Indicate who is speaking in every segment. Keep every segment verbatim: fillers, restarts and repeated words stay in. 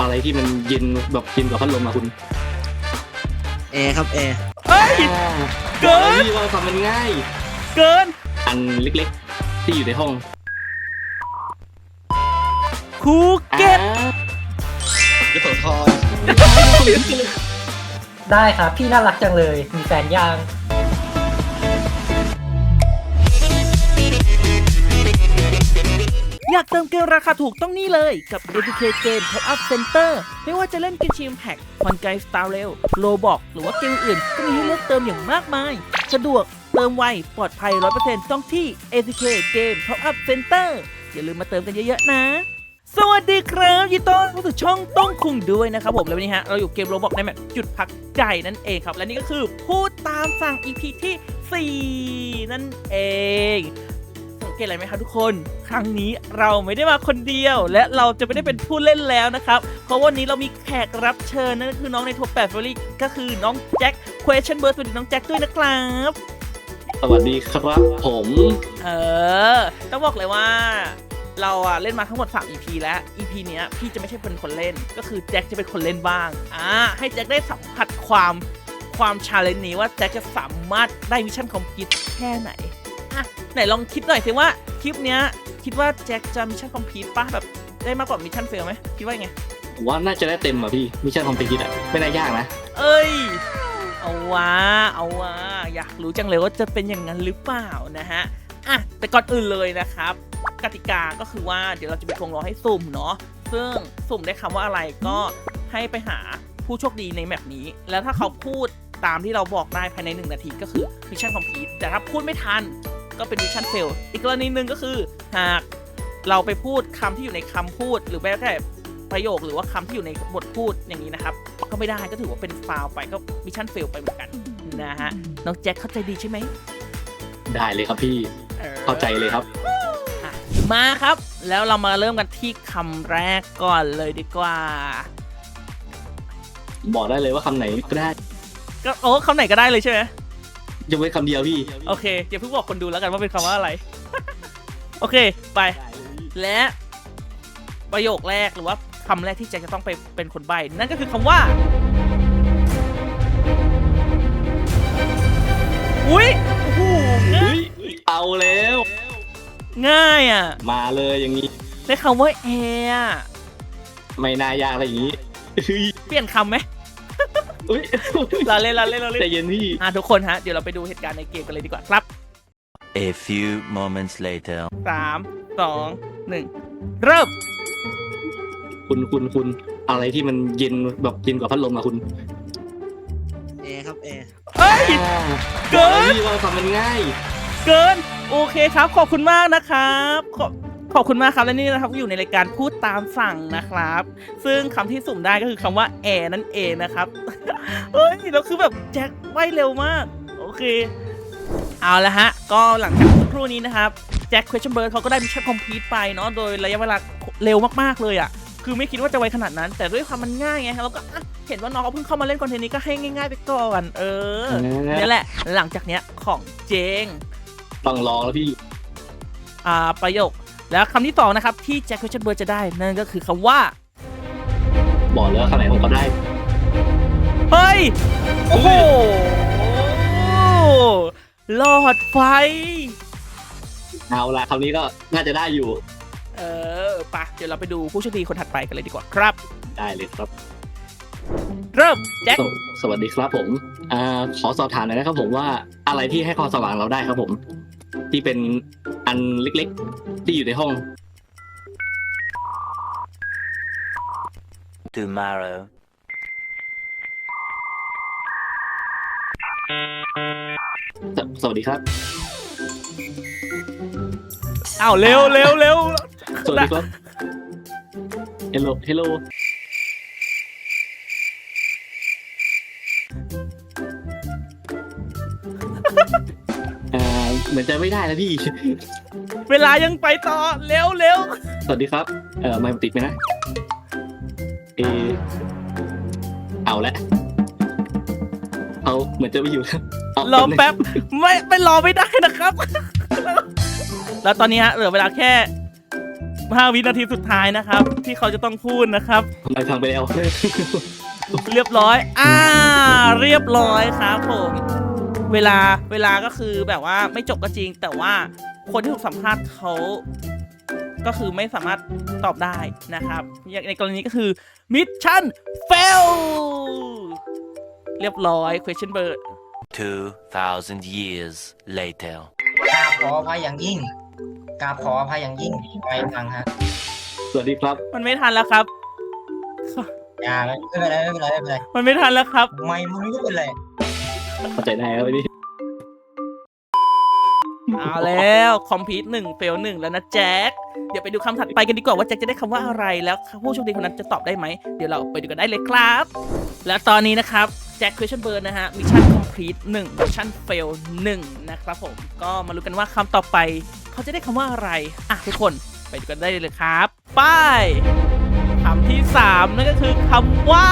Speaker 1: อะไรที่มันเย็นแบบเย็นกว่าพัดลมอะคุณ
Speaker 2: แอร์ครับแอร์
Speaker 3: เฮ้ยเกิน
Speaker 1: ที่ว่าทำมันง่าย
Speaker 3: เกิน
Speaker 1: อันเล็กๆที่อยู่ในห้อง
Speaker 3: ภูเก็ต
Speaker 2: ยโสธร
Speaker 4: ได้ครับพี่น่ารักจังเลยมีแฟนยัง
Speaker 3: อยากเติมเกมราคาถูกต้องนี่เลยกับ เอ ที เค Game Top Up Center ไม่ว่าจะเล่นเกมชิมแพ็กคอนไกสตาร์เรลโลบอกหรือว่าเกมอื่นก็มีให้เลือกเติมอย่างมากมายสะดวกเติมไวปลอดภัย ร้อยเปอร์เซ็นต์ ต้องที่ เอ ที เค Game Top Up Center อย่าลืมมาเติมกันเยอะๆนะสวัสดีครับยินดีต้อนรับสู่ช่องต้องคุงด้วยนะครับผมแล้ววันนี้ฮะเราอยู่เกมโรบอกในแมปจุดพักใจนั่นเองครับและนี่ก็คือพูดตามสั่ง อี พี ที่สี่นั่นเองสังเกตอะไรไหมครับทุกคนครั้งนี้เราไม่ได้มาคนเดียวและเราจะไม่ได้เป็นผู้เล่นแล้วนะครับเพราะวันนี้เรามีแขกรับเชิญนั่นก็คือน้องในท็อปแปด Family ก็คือน้องแจ็ค Question Bird สวัสดีน้องแจ็คด้วยนะครับ
Speaker 1: สวัสดีครับผม
Speaker 3: เออต้องบอกเลยว่าเราอะเล่นมาทั้งหมดสาม อี พี แล้ว อี พี เนี้ยพี่จะไม่ใช่เป็นคนเล่นก็คือแจ็คจะเป็นคนเล่นบ้างอ่าให้แจ็คได้สัมผัสความความชาเลนจ์นี้ว่าแจ็คจะสามารถได้มิชชั่นคอมพลีทแค่ไหนอ่ะไหนลองคิดหน่อยสิว่าคลิปเนี้ยคิดว่าแจ็คจะมิชชั่นคอมพลีทป่ะแบบได้มากกว่ามิชชั่นเฟลไหมคิดว่าไง
Speaker 1: ผมว่าน่าจะได้เต็มอ่ะพี่มิชชั่นคอมพลีทอ่ะไม่น่ายากนะ
Speaker 3: เอ้ยเอาวะเอาวะอยากรู้จังเลยว่าจะเป็นอย่างนั้นหรือเปล่านะฮะอ่ะแต่ก่อนอื่นเลยนะครับกติกาก็คือว่าเดี๋ยวเราจะมีทวงรอให้สุ่มเนาะซึ่งสุ่มได้คำว่าอะไรก็ให้ไปหาผู้โชคดีในแมปนี้แล้วถ้าเขาพูดตามที่เราบอกได้ภายในหนึ่งนาทีก็คือมิชชั่นคอมพลีทแต่ถ้าพูดไม่ทันก็เป็นมิชชั่นเฟลอีกกรณีหนึ่งก็คือหากเราไปพูดคำที่อยู่ในคำพูดหรือแม้แต่ประโยคหรือว่าคำที่อยู่ในบทพูดอย่างนี้นะครับก็ไม่ได้ก็ถือว่าเป็นฟาวไปก็มิชชั่นเฟลไปเหมือนกันนะฮะน้องแจ็คเข้าใจดีใช่ไหม
Speaker 1: ได้เลยครับพี่เข้าใจเลยครับ
Speaker 3: มาครับแล้วเรามาเริ่มกันที่คำแรกก่อนเลยดีกว่า
Speaker 1: บอกได้เลยว่าคำไหนก็ได้
Speaker 3: ก็โอ้คำไหนก็ได้เลยใช่ไหม
Speaker 1: จะไว้คำเดียวพี่
Speaker 3: โอเคเดี๋ยวเพิ่งบอกคนดูแล้วกันว่าเป็นคำว่าอะไร โอเคไปและประโยคแรกหรือว่าคำแรกที่แจ็คจะต้องไปเป็นคนใบ้นั่นก็คือคำว่าอุ้ยโอ้โห
Speaker 1: เอาแล้ว
Speaker 3: ง่ายอ่ะ
Speaker 1: มาเลยอย่างนี้
Speaker 3: ได้คำว่าแอร์
Speaker 1: ไม่น่ายากอะไรอย่างนี้
Speaker 3: เปลี่ยนคำไหมเราเล่นเราเล่นเราเล่น
Speaker 1: ใจเย็นพี่
Speaker 3: อ่ะทุกคนฮะเดี๋ยวเราไปดูเหตุการณ์ในเกมกันเลยดีกว่าครับ
Speaker 5: A few moments later
Speaker 3: สามสองหนึ่งเริ่ม
Speaker 1: คุณคุณคุณอะไรที่มันเย็นแบบเย็นกว่าพัดลมอะคุณ
Speaker 2: แอร์ครับแอร์
Speaker 3: เฮ้ยเกิน
Speaker 1: ที่ว่าทำมันง่าย
Speaker 3: เกินโอเคครับขอบคุณมากนะครับขอบขอบคุณมากครับและนี่นะครับอยู่ในรายการพูดตามสั่งนะครับซึ่งคำที่สุ่มได้ก็คือคำว่าแอร์นั่นเองนะครับเฮ้ยแล้วคือแบบแจ็คไวเร็วมากโอเคเอาละฮะก็หลังจากสักครู่นี้นะครับแจ็ค Question Bird เขาก็ได้มิชชั่นคอมพลีทไปเนาะโดยระยะเวลาเร็วมากๆเลยอ่ะคือไม่คิดว่าจะไวขนาดนั้นแต่ด้วยความมันง่ายไงเราก็เห็นว่าน้องเขาเพิ่งเข้ามาเล่นคอนเทนต์นี้ก็ให้ง่ายๆไปก่อนเออนี่แหละหลังจากเนี้ยของเจง
Speaker 1: ต้องลองแล้วพี่
Speaker 3: อ่าประโยคแล้วคำที่สองนะครับที่แจ็ค Question Bird จะได้นั่นก็คือคำว่า
Speaker 1: บอกเลยว่าคำไหนผมก็ได้
Speaker 3: เฮ้ยโอ้โหหลอดไฟ
Speaker 1: เอาละคำนี้ก็น่าจะได้อยู่
Speaker 3: เออปะเดี๋ยวเราไปดูผู้โชคดีคนถัดไปกันเลยดีกว่าครับ
Speaker 1: ได้เลยครับ
Speaker 3: เริ่มแจ็ค
Speaker 1: สวัสดีครับผมอ่าขอสอบถามหน่อยนะครับผมว่าอะไรที่ให้ความสว่างเราได้ครับผมที่เป็นอันเล็กๆที่อยู่ในห้อง
Speaker 5: tomorrow
Speaker 1: ส, สวัสดีครับ
Speaker 3: อ้าวเร็วเร็วเร็ว
Speaker 1: สวัสดีครับ hello hello เหมือนจะไม่ได้นะพี่
Speaker 3: เวลายังไปต่อเร็วเร็ว
Speaker 1: สวัสดีครับเออไม่ติดไหมนะเออเอาละเอาเหมือนจะไม่อยู่
Speaker 3: รอแป๊บไม่ไม่รอไม่ได้นะครับแล้วตอนนี้ฮะเหลือเวลาแค่ห้าวินาทีสุดท้ายนะครับที่เขาจะต้องพูดนะครับ
Speaker 1: ทำไมพังไปแล้ว
Speaker 3: เรียบร้อย อ่า เรียบร้อยครับผม เวลา เวลาก็คือแบบว่าไม่จบก็จริง แต่ว่าคนที่ถูกสัมภาษณ์เขาก็คือไม่สามารถตอบได้นะครับ อย่างในกรณีก็คือมิชชั่นเฟล เรียบร้อย question bird
Speaker 5: Two thousand years later.
Speaker 4: กราบขออภัยอย่างยิ่งกราบขออภัยอย่างยิ่งไม่ฟังฮะ
Speaker 1: สวัสดีครับ
Speaker 3: มันไม่ทันแล้วครับ
Speaker 4: อย่าไม่เป็นไรไม่เป็นไรไม่เป็นไร
Speaker 3: มันไม่ทันแล้วครับ
Speaker 4: ไม่มึงก็เป็นไร
Speaker 1: เข้าใจได้แล้วนี่
Speaker 3: เอาแล้วคอมพิวต์หนึ่งเฟลหนึ่งแล้วนะแจ็ค เดี๋ยวไปดูคำถัดไปกันดีกว่าว่าแจ็คจะได้คำว่าอะไรแล้วผู้โชคดีคนนั้นจะตอบได้ไหม เดี๋ยวเราไปดูกันได้เลยครับ และตอนนี้นะครับแจ็ค question bird นะฮะมิชชั่นคอมพลีทหนึ่งมิชชั่นเฟลหนึ่งนะครับผมก็มาลุ้นกันว่าคำต่อไปเขาจะได้คำว่าอะไรอ่ะทุกคนไปดูกันได้เลยครับไปคำที่สามนั่นก็คือคำว่า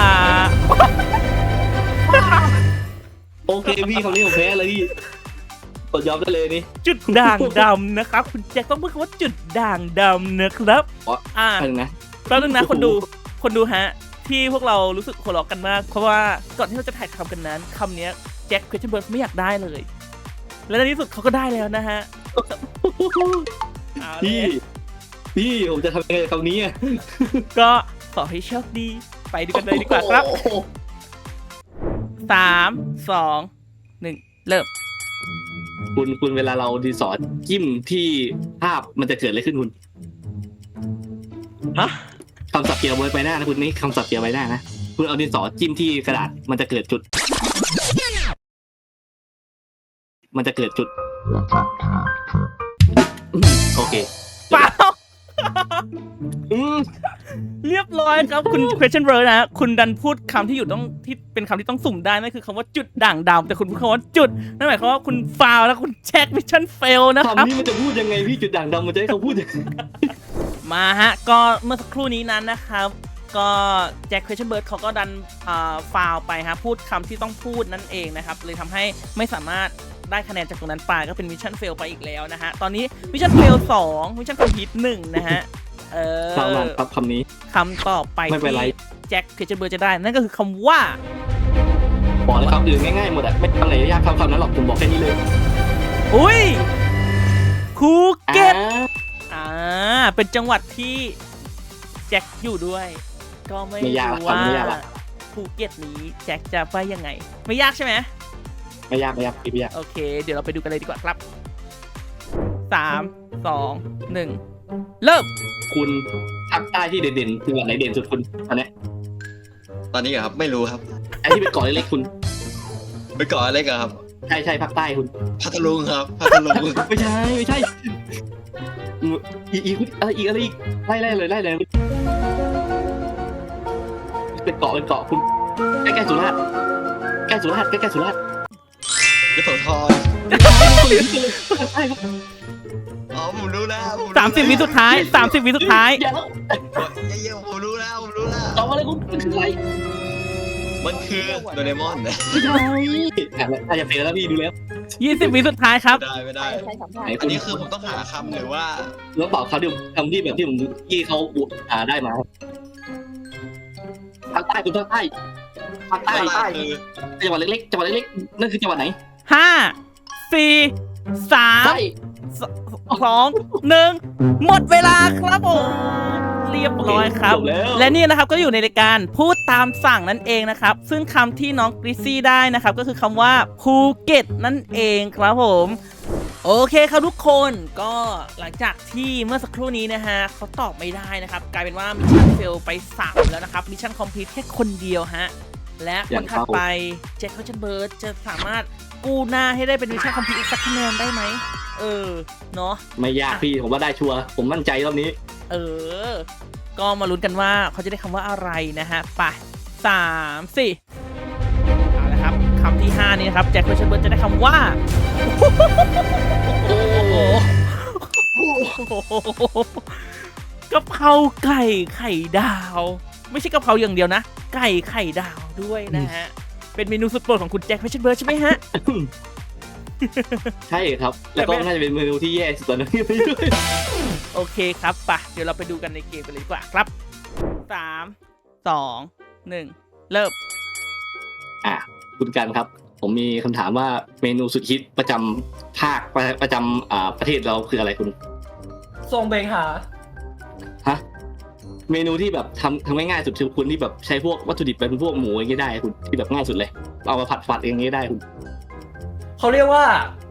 Speaker 1: โอเคพี่คำนี้ผมแพ้เลยพี่กดยอมได้เลยนี่
Speaker 3: จุดด่างดำนะครับคุณแจ็คต้องพูดคำว่าจุดด่างดำนะครับ
Speaker 1: อ๋อ
Speaker 3: อ่า
Speaker 1: อันนึงนะ
Speaker 3: แป๊บนึงนะคนดูคนดูฮะที่พวกเรารู้สึกหัวเราะกันมากเพราะว่าก่อนที่เราจะถ่ายทำกันนั้นคำนี้แจ็ค question bird ไม่อยากได้เลย และในที่สุดเขาก็ได้แล้วนะฮะเอาเล
Speaker 1: พี่
Speaker 3: ย
Speaker 1: พี่ผมจะทำยังไงกับคำนี้อ่ะ
Speaker 3: ก็ขอให้โชคดีไปดูกันเลยดีกว่าครับสามสองหนึ่งเริ่ม
Speaker 1: คุณคุณเวลาเราดีสอดจิ้มที่ภาพมันจะเกิดอะไรขึ้นคุณ
Speaker 3: ฮะ
Speaker 1: คำศัพท์เกี่ยวกับใบหน้านะคุณนี่คำศัพท์เกี่ยวกับใบหน้านะคุณเอาดินสอจิ้มที่กระดาษมันจะเกิดจุด มันจะเกิดจุดอืมโอเค
Speaker 3: เปล่า
Speaker 1: อืม
Speaker 3: เรียบร้อยครับคุณ question bird นะฮะคุณดันพูดคำที่อยู่ต้องที่เป็นคำที่ต้องสุ่มได้นั่นคือคำว่าจุดด่างดำแต่คุณพูดคำว่าจุดนั่นหมายความว่าคุณฟาวแล้วคุณแจ็คมิชชั่นเฟลนะครับ
Speaker 1: คำนี้มันจะพูดยังไงพี่จุดด่างดำมันจะให้เขาพูดยังไง
Speaker 3: มาฮะก็เมื่อสักครู่นี้นั้นนะครับก็แจ็ค question bird เขาก็ดันฟาวไปฮะพูดคำที่ต้องพูดนั่นเองนะครับเลยทำให้ไม่สามารถได้คะแนนจากตรงนั้นไปก็เป็นมิชชั่นเฟลไปอีกแล้วนะฮะตอนนี้มิชชั่นเฟลสองมิชชั่นคอมพลีทหนึ่งนะฮะเออ
Speaker 1: คำนั้นครับคำนี้
Speaker 3: คำต่อไป
Speaker 1: ไม่เป็นไร
Speaker 3: ที่แจ็ค question bird จะได้นั่นก็คือคำว่า
Speaker 1: บอกเลยคำอื่นง่ายๆหมดอะไม่ทำไหนยากคำคำนั้นหรอกผมบอกแค่นี้เลย
Speaker 3: อุ้ยภูเก็ต
Speaker 1: อ่า
Speaker 3: อ่าเป็นจังหวัดที่แจ็คอยู่ด้วย ก็ไม่
Speaker 1: ไม่ยากละ
Speaker 3: รู้ว่า
Speaker 1: คำไม่ยากละ
Speaker 3: ภูเก็ตนี้แจ็คจะไปยังไง ไม่ยากใช่ไหม
Speaker 1: ไม่ยากไม่ยากพี่ไม่ยาก
Speaker 3: โอเค เดี๋ยวเราไปดูกันเลยดีกว่าครับสามสองหนึ่งเริ่ม
Speaker 1: คุณภาคใต้ที่เด่นๆจังหวัดไหนเด่นสุดคุณตอนเนี้ย
Speaker 2: ตอนนี้เหรอครับไม่รู้ครับ
Speaker 1: ไอ้ที่เป็นเกาะเล็กๆคุณ
Speaker 2: ไปเกาะอะไรกันครับ
Speaker 1: ใช่ใช่ภาคใต้คุณ
Speaker 2: พัทลุงครับพัทลุง
Speaker 1: ไม่ใช่ไม่ใช่อีกอีกอะไรอีกอะไรอีกไล่ไล่เลยไล่เลยเป็นเกาะเป็นเกาะคุณใกล้ใกล้สุราษฎร์ใกล้สุราษฎร์ใกล้ใกล้สุราษฎร์
Speaker 2: ยโสธร
Speaker 1: ใช่ครับ
Speaker 2: อ๋อผมรู้แล้วผรู้
Speaker 3: สามสิบวิสุดท้ายสามสิบวิสุดท้าย
Speaker 1: อย่าแล้ว
Speaker 2: เย้ๆผมรู้แล้วผมรู้แล้ว
Speaker 1: ตอบอะไรคุณมันคืออะไร
Speaker 2: มันคือโดเรมอนนะ
Speaker 1: ไม่ใช่ถ้าจะเป็นแล้วพี่ดูแล้ว
Speaker 3: ยี่สิบวิสุดท้ายครับ
Speaker 2: ไม่ได้ไม่ได้
Speaker 1: ไหน
Speaker 2: อั
Speaker 1: คุ
Speaker 2: น
Speaker 1: ณ
Speaker 2: นี้คือผมต้องหาคำหรือว่า
Speaker 1: แล้วบอกเขาดิคำที่แบบที่ผมที่เขาหาได้มาภาคใต้คุณภาคใต้ภาคใต้
Speaker 2: ไม่
Speaker 1: ใต้
Speaker 2: คือ
Speaker 1: จังหวัดเล็กๆจังหวัดเล็กๆนั่นคือจังหวัดไหน
Speaker 3: ห้าสี่สาม
Speaker 1: ใต้
Speaker 3: สองหนึ่งหมดเวลาครับผมเรียบร้อยครับ
Speaker 1: จบแล้ว
Speaker 3: และนี่นะครับก็อยู่ในรายการพูดตามสั่งนั่นเองนะครับ ซึ่งคำที่น้องกริซซี่ได้นะครับ ก็คือคำว่าภูเก็ตนั่นเองครับผม โอเคครับทุกคนก็หลังจากที่เมื่อสักครู่นี้นะฮะเขาตอบไม่ได้นะครับ กลายเป็นว่ามิชชั่นเฟลไปสามแล้วนะครับมิชชั่นคอมพลีทแค่คนเดียวฮะและคนถัดไปแจ็ค question bird จะสามารถกู้หน้าให้ได้เป็นมิชชั่นคอมพลีทอีกสักคะแนนได้ไหมเออเนาะ
Speaker 1: ไม่ยากพี่ผมว่าได้ชัวร์ผมมั่นใจรอบนี้
Speaker 3: เออ ก็มาลุ้นกันว่าเขาจะได้คำว่าอะไรนะฮะ ไปสามสี่เอาละครับคำที่ห้านี้นะครับแจ็ค question bird จะได้คำว่า โอ้โหกะเพราไก่ไข่ดาว ไม่ใช่กะเพราอย่างเดียวนะ ไก่ไข่ดาวด้วยนะฮะ เป็นเมนูสุดโปรดของคุณแจ็ค question bird ใช่ไหมฮะ
Speaker 1: ใช่ครับ แล้วก็น่าจะเป็นเมนูที่แย่สุดตอนนี้
Speaker 3: โอเคครับปะเดี๋ยวเราไปดูกันในเกมกันเลยดีกว่าครับสามสองหนึ่งเริ่ม
Speaker 1: อ่ะคุณกันครับ ผมมีคำถามว่าเมนูสุดฮิตประจำภาคประประจำอ่าประเทศเราคืออะไรคุณ
Speaker 6: ทรงเบงหา
Speaker 1: ฮะเมนูที่แบบทำทำง่ายๆสุดคือคุณที่แบบใช้พวกวัตถุดิบเป็นพวกหมูอย่างนี้ได้คุณที่แบบง่ายสุดเลยเอามาผัดฝัดอย่างนี้ได้คุณ
Speaker 6: เขาเรียกว่า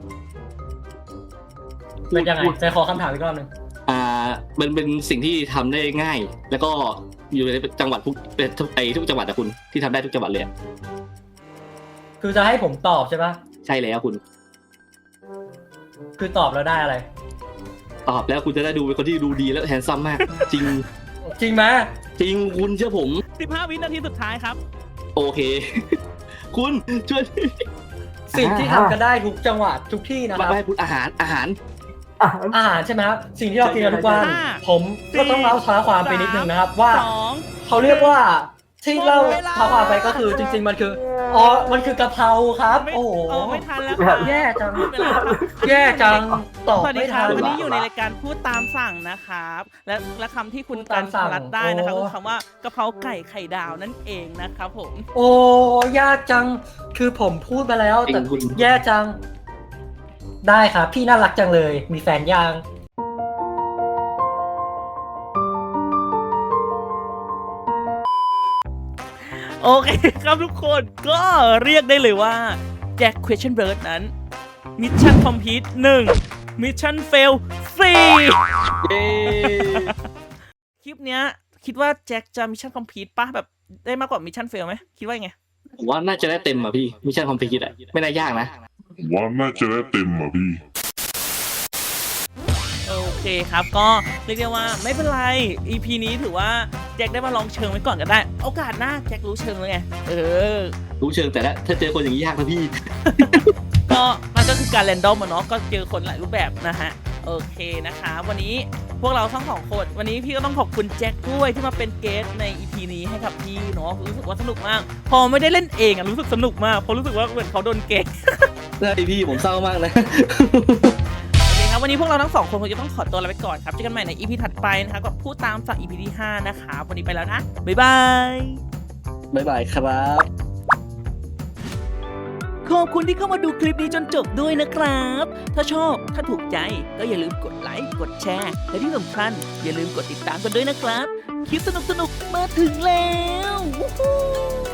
Speaker 6: เป็นยังไงใจขอคำถามอีกรอบหนึ่ง
Speaker 1: อ่ามันเป็นสิ่งที่ทำได้ง่าย แล้วก็อยู่ในจังหวัดทุกเป็นทุกไอทุกจังหวัดอะคุณที่ทำได้ทุกจังหวัดเลยอะ
Speaker 6: คือจะให้ผมตอบใช่ปะ
Speaker 1: ใช่แล้วคุณ
Speaker 6: คือตอบแล้วได้อะไร
Speaker 1: ตอบแล้วคุณจะได้ดูเป็นคนที่ดูดีและแฮนซัมมาก จริง
Speaker 6: จริงไหม
Speaker 1: จริงคุณเชื่อผม
Speaker 3: สิบห้าวินาทีสุดท้ายครับ
Speaker 1: โอเค คุณช่วย
Speaker 6: สิ่งที่ทำกันได้ทุกจังหวัดทุกที่นะค
Speaker 1: มา
Speaker 6: รับ
Speaker 1: ให้คุณอาหารอาหาร
Speaker 6: อาหารใช่ไหมครับสิ่งที่เรากินกันทุกวัน
Speaker 3: ห้า
Speaker 6: ผมก็ต้องเล่าท้าความไปนิดนึงนะครับ ว่า
Speaker 3: สอง
Speaker 6: เขาเรียกว่าที่เล่าท้าความไปก็คือจริง ๆ มันคืออ๋อมันคือกะเพราครับ
Speaker 3: ไม่
Speaker 6: โอ้โห
Speaker 3: เออไม่ทันแล้วค่ะ
Speaker 6: แย่จัง
Speaker 3: ไม่เป็นไรครับ
Speaker 6: แย่จังตอบ
Speaker 3: สวัสดี
Speaker 6: ไม่
Speaker 3: ครั
Speaker 6: ทั
Speaker 3: บ
Speaker 6: น
Speaker 3: วันนี้อยู่ในรายการพูดตามสั่งนะครับและและคำที่คุณ
Speaker 6: พูด
Speaker 3: กั
Speaker 6: ตาน มสั่ง
Speaker 3: รัดได้นะครับ
Speaker 6: โอ้
Speaker 3: คือคำว่ากะเพราไก่ไข่ดาวนั่นเองนะครับผม
Speaker 6: โอ้ยากจังคือผมพูดไปแล้ว
Speaker 1: จริ
Speaker 6: แต่
Speaker 1: งคุณ
Speaker 6: แย่จัง ได้ครับพี่น่ารักจังเลย มีแฟนยัง
Speaker 3: โอเคครับทุกคนก็เรียกได้เลยว่าแจ็ค question bird นั้นมิชชั่นคอมพลีทหนึ่งมิชชั่นเฟลสี่
Speaker 1: เย้
Speaker 3: คลิปเนี้ยคิดว่าแจ็คจะมิชชั่นคอมพลีทป่ะแบบได้มากกว่ามิชชั่นเฟลไหมคิดว่ายังไง
Speaker 1: ผมว่าน่าจะได้เต็มอ่ะพี่มิชชั่นคอมพลีทอ่ะไม่น่ายากนะ
Speaker 7: ว่าน่าจะได้เต็มอ่ะพี่
Speaker 3: โอเคครับก็เรียกได้ว่าไม่เป็นไร อี พี นี้ถือว่าแจ็คได้มาลองเชิงไว้ก่อนก็ได้ โอกาสหน้าแจ็ครู้เชิงแล้วไงเออ
Speaker 1: รู้เชิงแต่ละถ้าเจอคนอย่างนี้ยากนะพี่
Speaker 3: ก็มันก็คือการแรนดอมอะเนาะก็เจอคนหลายรูปแบบนะฮะโอเคนะคะวันนี้พวกเราทั้งสองคนวันนี้พี่ก็ต้องขอบคุณแจ็คด้วยที่มาเป็นเกสใน อี พี นี้ให้กับพี่เนาะรู้สึกว่าสนุกมาก พอไม่ได้เล่นเองอะรู้สึกสนุกมากเพราะรู้สึกว่าเหมือนเขาโดนเกส
Speaker 1: ได้พี่ผมเศร้ามากนะ
Speaker 3: โอเคครับวันนี้พวกเราทั้งสองคนคงจะต้องขอตัวลาไปก่อนครับเจอกันใหม่ใน อี พี ถัดไปนะคะกับพูดตามสั่ง อี พี ที่ห้านะคะวันนี้ไปแล้วนะบ๊ายบาย
Speaker 1: บ๊ายบายครับ
Speaker 3: ขอบคุณที่เข้ามาดูคลิปนี้จนจบด้วยนะครับ ถ้าชอบ ถ้าถูกใจ ก็อย่าลืมกดไลค์ กดแชร์ และที่สำคัญอย่าลืมกดติดตามกันด้วยนะครับ คลิปสนุกๆ มาถึงแล้ว Woohoo